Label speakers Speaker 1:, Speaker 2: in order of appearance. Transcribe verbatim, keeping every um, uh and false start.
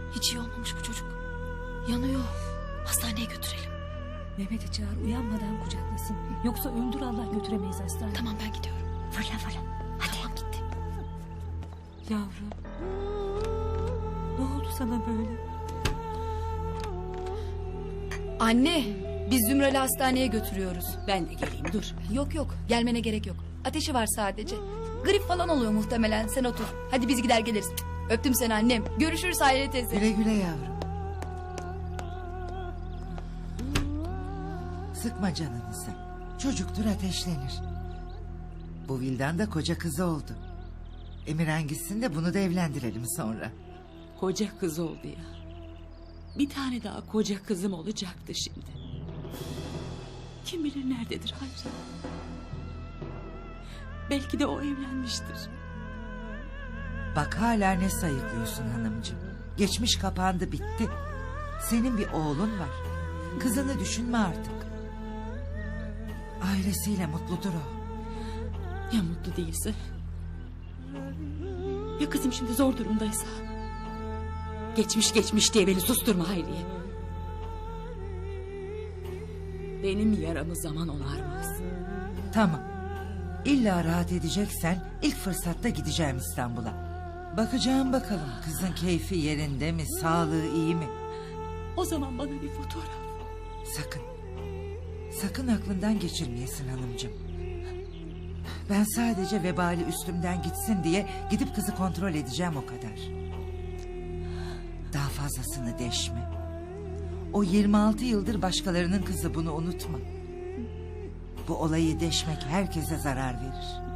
Speaker 1: Hiç iyi olmamış bu çocuk. Yanıyor. Hastaneye götürelim.
Speaker 2: Mehmet'i çağır, uyanmadan kucaklasın. Yoksa öldür Allah, götüremeyiz hastaneye.
Speaker 1: Tamam, ben gidiyorum.
Speaker 3: Fırla fırla.
Speaker 1: Hadi. Tamam, gittim.
Speaker 2: Yavrum. Ne oldu sana böyle?
Speaker 4: Anne, biz Zümral'i hastaneye götürüyoruz.
Speaker 2: Ben de geleyim, dur.
Speaker 4: Yok yok, gelmene gerek yok. Ateşi var sadece. Grip falan oluyor muhtemelen. Sen otur. Hadi biz gider geliriz. Öptüm seni annem. Görüşürüz Hayriye teyze.
Speaker 3: Güle güle yavrum. Sıkma canınızı. Çocuktur, ateşlenir. Bu Vildan da koca kızı oldu. Emirhan gitsin de bunu da evlendirelim sonra.
Speaker 5: Koca kız oldu ya. Bir tane daha koca kızım olacaktı şimdi. Kim bilir nerededir Hayri. Belki de o evlenmiştir.
Speaker 3: Bak hala ne sayıklıyorsun hanımcığım. Geçmiş kapandı, bitti. Senin bir oğlun var. Kızını düşünme artık. Ailesiyle mutludur o.
Speaker 5: Ya mutlu değilse? Ya kızım şimdi zor durumdaysa? Geçmiş geçmiş diye beni susturma Hayriye. Benim yaramı zaman onarmaz.
Speaker 3: Tamam. İlla rahat edeceksen ilk fırsatta gideceğim İstanbul'a. Bakacağım bakalım kızın keyfi yerinde mi, sağlığı iyi mi?
Speaker 5: O zaman bana bir fotoğraf.
Speaker 3: Sakın. Sakın aklından geçirmeyesin hanımcığım. Ben sadece vebali üstümden gitsin diye gidip kızı kontrol edeceğim, o kadar. Daha fazlasını deşme. O yirmi altı yıldır başkalarının kızı, bunu unutma. Bu olayı deşmek herkese zarar verir.